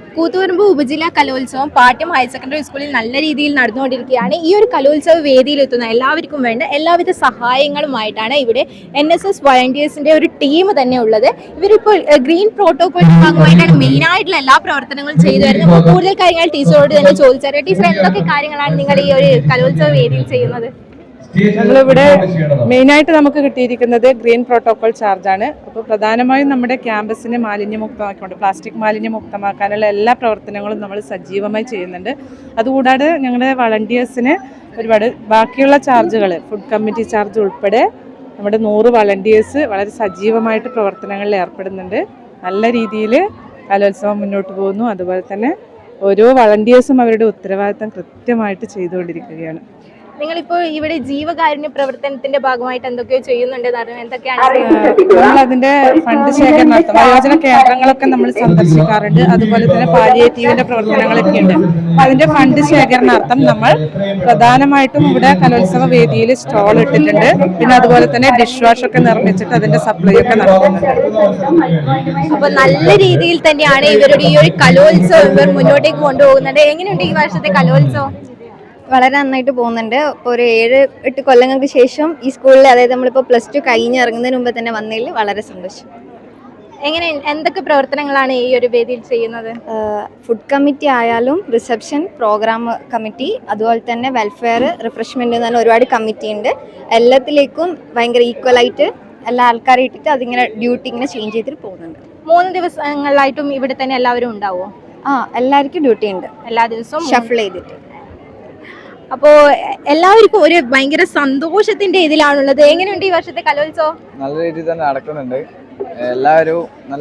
കൂത്തുപറമ്പ് ഉപജില്ലാ കലോത്സവം Pattiam higher secondary സ്കൂളിൽ നല്ല രീതിയിൽ നടന്നുകൊണ്ടിരിക്കുകയാണ്. ഈ ഒരു കലോത്സവ വേദിയിലെത്തുന്ന എല്ലാവർക്കും വേണ്ട എല്ലാവിധ സഹായങ്ങളുമായിട്ടാണ് ഇവിടെ NSS വളണ്ടിയേഴ്സിന്റെ ഒരു ടീം തന്നെ ഉള്ളത്. ഇവരിപ്പോൾ ഗ്രീൻ പ്രോട്ടോകോളിന്റെ ഭാഗമായിട്ടാണ് മെയിൻ ആയിട്ടുള്ള എല്ലാ പ്രവർത്തനങ്ങളും ചെയ്തു വരുന്നത്. അപ്പോൾ കൂടുതൽ കാര്യങ്ങൾ ടീച്ചറോട് തന്നെ ചോദിച്ചറിയാം. ടീച്ചർ, എന്തൊക്കെ കാര്യങ്ങളാണ് നിങ്ങൾ ഈ ഒരു കലോത്സവ വേദിയിൽ ചെയ്യുന്നത്? നമ്മളിവിടെ മെയിനായിട്ട് നമുക്ക് കിട്ടിയിരിക്കുന്നത് ഗ്രീൻ പ്രോട്ടോകോൾ ചാർജാണ്. അപ്പോൾ പ്രധാനമായും നമ്മുടെ ക്യാമ്പസിനെ മാലിന്യമുക്തമാക്കിക്കൊണ്ട് പ്ലാസ്റ്റിക് മാലിന്യമുക്തമാക്കാനുള്ള എല്ലാ പ്രവർത്തനങ്ങളും നമ്മൾ സജീവമായി ചെയ്യുന്നുണ്ട്. അതുകൂടാതെ ഞങ്ങളുടെ വളണ്ടിയേഴ്സിന് ഒരുപാട് ബാക്കിയുള്ള ചാർജുകൾ, ഫുഡ് കമ്മിറ്റി ചാർജ് ഉൾപ്പെടെ നമ്മുടെ 100 വളണ്ടിയേഴ്സ് വളരെ സജീവമായിട്ട് പ്രവർത്തനങ്ങളിൽ ഏർപ്പെടുന്നുണ്ട്. നല്ല രീതിയിൽ കലോത്സവം മുന്നോട്ട് പോകുന്നു. അതുപോലെ തന്നെ ഓരോ വളണ്ടിയേഴ്സും അവരുടെ ഉത്തരവാദിത്തം കൃത്യമായിട്ട് ചെയ്തുകൊണ്ടിരിക്കുകയാണ്. നിങ്ങളിപ്പോൾ ഇവിടെ ജീവകാരുണ്യ പ്രവർത്തനത്തിന്റെ ഭാഗമായിട്ട് എന്തൊക്കെയോ ചെയ്യുന്നുണ്ട്, എന്തൊക്കെയാണ്? നമ്മൾ അതിന്റെ ഫണ്ട് ശേഖരണാർത്ഥം വയോജന കേന്ദ്രങ്ങളൊക്കെ നമ്മൾ സന്ദർശിക്കാറുണ്ട്. അതുപോലെ തന്നെ പാലിയേറ്റീവിന്റെ പ്രവർത്തനങ്ങളൊക്കെ ഉണ്ട്. അപ്പൊ അതിന്റെ ഫണ്ട് ശേഖരണാർത്ഥം നമ്മൾ പ്രധാനമായിട്ടും ഇവിടെ കലോത്സവ വേദിയിൽ സ്റ്റോൾ ഇട്ടിട്ടുണ്ട്. പിന്നെ അതുപോലെ തന്നെ ഡിഷ് വാഷ് ഒക്കെ നിർമ്മിച്ചിട്ട് അതിന്റെ സപ്ലൈ ഒക്കെ നടത്തുന്നുണ്ട്. അപ്പൊ നല്ല രീതിയിൽ തന്നെയാണ് ഇവരുടെ ഈ ഒരു കലോത്സവം ഇവർ മുന്നോട്ടേക്ക് കൊണ്ടുപോകുന്നത്. എങ്ങനെയുണ്ട് ഈ വർഷത്തെ കലോത്സവം? വളരെ നന്നായിട്ട് പോകുന്നുണ്ട്. ഇപ്പോൾ ഒരു 7-8 കൊല്ലങ്ങൾക്ക് ശേഷം ഈ സ്കൂളിൽ, അതായത് നമ്മളിപ്പോൾ +2 കഴിഞ്ഞിറങ്ങുന്നതിന് മുമ്പ് തന്നെ വന്നതിൽ വളരെ സന്തോഷം. എന്തൊക്കെ പ്രവർത്തനങ്ങളാണ് ഈ ഒരു വേദിയിൽ ചെയ്യുന്നത്? ഫുഡ് കമ്മിറ്റി ആയാലും റിസപ്ഷൻ, പ്രോഗ്രാം കമ്മിറ്റി, അതുപോലെ തന്നെ വെൽഫെയർ, റിഫ്രഷ്മെന്റ് എന്ന് പറഞ്ഞ ഒരുപാട് കമ്മിറ്റി ഉണ്ട്. എല്ലാത്തിലേക്കും ഭയങ്കര ഈക്വലായിട്ട് എല്ലാ ആൾക്കാരെ ഇട്ടിട്ട് അതിങ്ങനെ ഡ്യൂട്ടി ഇങ്ങനെ ചേഞ്ച് ചെയ്തിട്ട് പോകുന്നുണ്ട്. 3 ദിവസങ്ങളിലായിട്ടും ഇവിടെ തന്നെ എല്ലാവരും ഉണ്ടാവുമോ? എല്ലാവർക്കും ഡ്യൂട്ടി ഉണ്ട്, എല്ലാ ദിവസവും ഷഫിൾ ചെയ്തിട്ട്. അപ്പോ എല്ലാവർക്കും ഒരു ഭയങ്കര സന്തോഷത്തിന്റെ ഇതിലാണുള്ളത്. എങ്ങനെയുണ്ട് ഈ വർഷത്തെ കലോത്സവം? നല്ല രീതിയിൽ തന്നെ നടക്കുന്നുണ്ട്. എല്ലാവരും നല്ല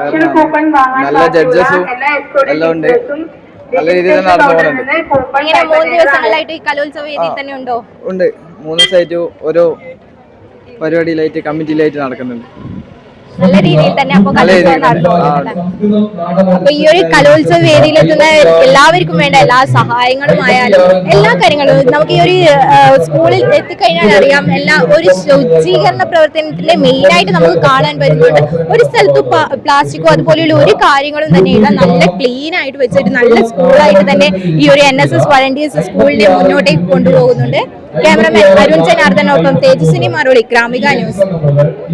നല്ല ജഡ്ജസും എല്ലാം ഉണ്ട്. നല്ല രീതിയിൽ തന്നെ നടന്നു പോകുന്നുണ്ട്. 3 ദിവസങ്ങളായിട്ട് ഈ കലോത്സവ വേദിയിൽ തന്നെ ഉണ്ടോ? ഉണ്ട്. 3 ദിവസമായിട്ട് ഓരോ പരിപാടിയിലായിട്ട് കമ്മിറ്റിയിലായിട്ട് നടക്കുന്നുണ്ട്. നല്ല രീതിയിൽ തന്നെ അപ്പൊ കലോത്സവം നടന്നുകൊണ്ടിരിക്കുന്നത്. അപ്പൊ ഈ ഒരു കലോത്സവ വേദിയിലെത്തുന്ന എല്ലാവർക്കും വേണ്ട എല്ലാ സഹായങ്ങളുമായാലും എല്ലാ കാര്യങ്ങളും നമുക്ക് ഈ ഒരു സ്കൂളിൽ എത്തിക്കഴിഞ്ഞാൽ അറിയാം. ഒരു ശുചീകരണ പ്രവർത്തനത്തിന്റെ മെയിനായിട്ട് നമുക്ക് കാണാൻ പറ്റുന്നുണ്ട്. ഒരു സ്ഥലത്ത് പ്ലാസ്റ്റിക്കോ അതുപോലെയുള്ള ഒരു കാര്യങ്ങളും തന്നെ ഇല്ല. നല്ല ക്ലീൻ ആയിട്ട് വെച്ചിട്ട് നല്ല സ്കൂളായിട്ട് തന്നെ ഈ ഒരു NSS വളണ്ടിയേഴ്സ് സ്കൂളിനെ മുന്നോട്ടേക്ക് കൊണ്ടുപോകുന്നുണ്ട്. ക്യാമറമാൻ അരുൺ ജനാർദ്ദനൊപ്പം തേജസ്വിനി മറുപടി, ഗ്രാമിക ന്യൂസ്.